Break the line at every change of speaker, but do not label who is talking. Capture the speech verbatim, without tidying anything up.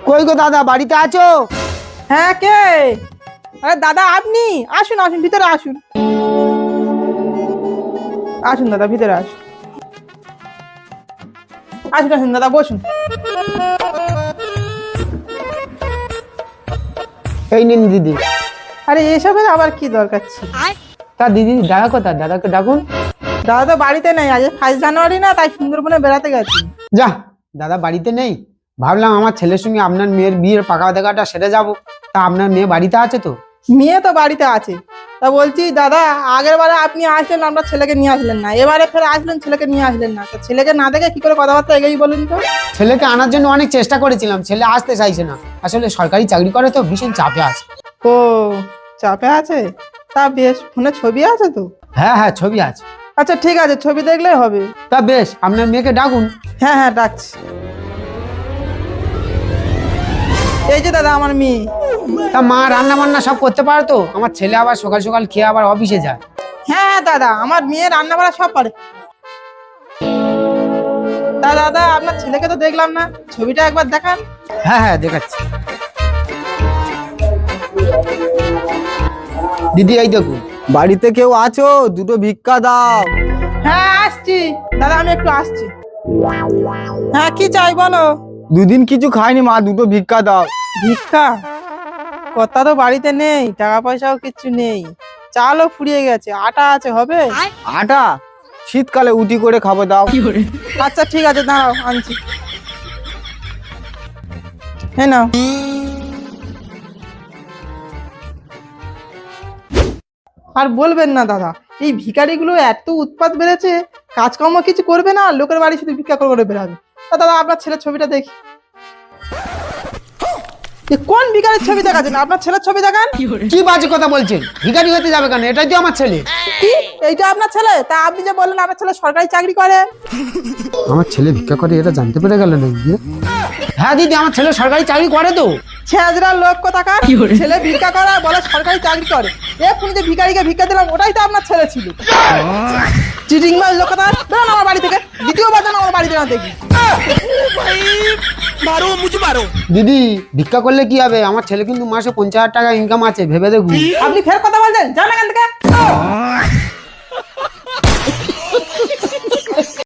কই গো দাদা, বাড়িতে আছো?
হ্যাঁ, কে? আরে দাদা, আপনি আসুন আসুন, ভিতরে আসুন। আসুন দাদা, ভিতরে আসুন। আসুন আসুন দাদা, বসুন।
এই নিন দিদি।
আরে এসবের আবার কি দরকার ছিল?
তা দিদি, দাদা কোথায়? দাদাকে ডাকুন।
দাদা তো বাড়িতে নেই, আজ ফার্স্ট জানুয়ারি না, তাই সুন্দরবনে বেড়াতে গেছি।
যা, দাদা বাড়িতে নেই। ভাবলাম আমার ছেলের সঙ্গে আপনার মেয়ের বিয়ের পাকা দেখাটা সেরে যাব। তা আপনার মেয়ে বাড়িতে আছে তো?
মেয়ে তো বাড়িতে আছে। তা বলছি দাদা, আগের বারে আপনি আসলেন, আপনার ছেলেকে নিয়ে আসলেন না, এবারে ফের আসলেন, ছেলেকে নিয়ে আসলেন না। তা ছেলেকে না দেখে কি করে কথাবার্তা এগেই বলুন তো?
ছেলেকে আনার জন্য অনেক চেষ্টা করেছিলাম, ছেলে আসতে চাইছে না। আসলে সরকারি চাকরি করে তো ভীষণ চাপে আছে।
ও, চাপে আছে? তা বেশ, ফোনে ছবি আছে তো?
হ্যাঁ হ্যাঁ, ছবি আছে।
আচ্ছা ঠিক আছে, ছবি দেখলেই হবে।
তা বেশ, আপনার মেয়েকে ডাকুন।
হ্যাঁ হ্যাঁ, ডাকছি। এই যে দাদা আমার মেয়ে।
তা মা রান্না বান্না সব করতে পারে তো? আমার ছেলে আবার সকাল সকাল খেয়ে আবার অফিসে যায়।
হ্যাঁ হ্যাঁ দাদা, আমার মেয়ে রান্না বাড়া সব পারে। তা দাদা, আপনার ছেলেকে তো দেখলাম না, ছবিটা একবার দেখান।
হ্যাঁ হ্যাঁ, দেখাচ্ছি। দিদি এই দেখুন।
বাড়িতে কেউ আছো? দুটো ভিক্ষা দাও।
হ্যাঁ আসছি দাদা, আমি একটু আসছি। হ্যাঁ, কি চাই বলো?
দুদিন কিছু খাইনি মা, দুটো ভিক্ষা দাও।
ভিক্ষা? কথা তো বাড়িতে নেই, টাকা পয়সাও কিচ্ছু নেই, চালও ফুরিয়ে গেছে, আটা আছে, হবে?
আটা? শীতকালে উটি করে খাবো, দাও।
আচ্ছা ঠিক আছে, দাঁড়াও আনছি। হ্যাঁ নাও। আর বলবেন না দাদা, এই ভিখারিগুলো এত উৎপাত বেড়েছে, কাজকর্ম কিছু করবে না, লোকের বাড়ি শুধু ভিক্ষা করে করে বেড়াবে। তা দাদা, আপনার ছেলের ছবিটা দেখি। এ কোন ভিখারির ছবি দেখাচ্ছেন? আপনার ছেলের ছবি দেখান।
কি বাজে কথা বলছেন? ভিখারি হতে যাবে কেন? এটাই তো আমার ছেলে।
কি, এইটা আপনার ছেলে? তা আপনি যে বললেন আপনার ছেলে সরকারি চাকরি করে।
আমার ছেলে ভিক্ষা করে, এটা জানতে পেরে গেল না? হ্যাঁ দিদি, আমার ছেলে সরকারি চাকরি করে তো।
ছেঁচড়ার লোক কোথাকার, ছেলে ভিক্ষা করে আর বলে সরকারি চাকরি করে। এক্ষুনি যে ভিখারিকে ভিক্ষা দিলাম, ওটাই তো আপনার ছেলে ছিল। চিটিং মার লোক কোথাকার, বেরোন আমার বাড়ি থেকে। দ্বিতীয়বার যেন আমার বাড়িতে না দেখি।
দিদি, ভিক্ষা করলে কি হবে? আমার ছেলে কিন্তু মাসে পঞ্চাশ হাজার টাকা ইনকাম আছে, ভেবে দেখুন।
আপনি ফের কথা বলছেন, যান এখান থেকে।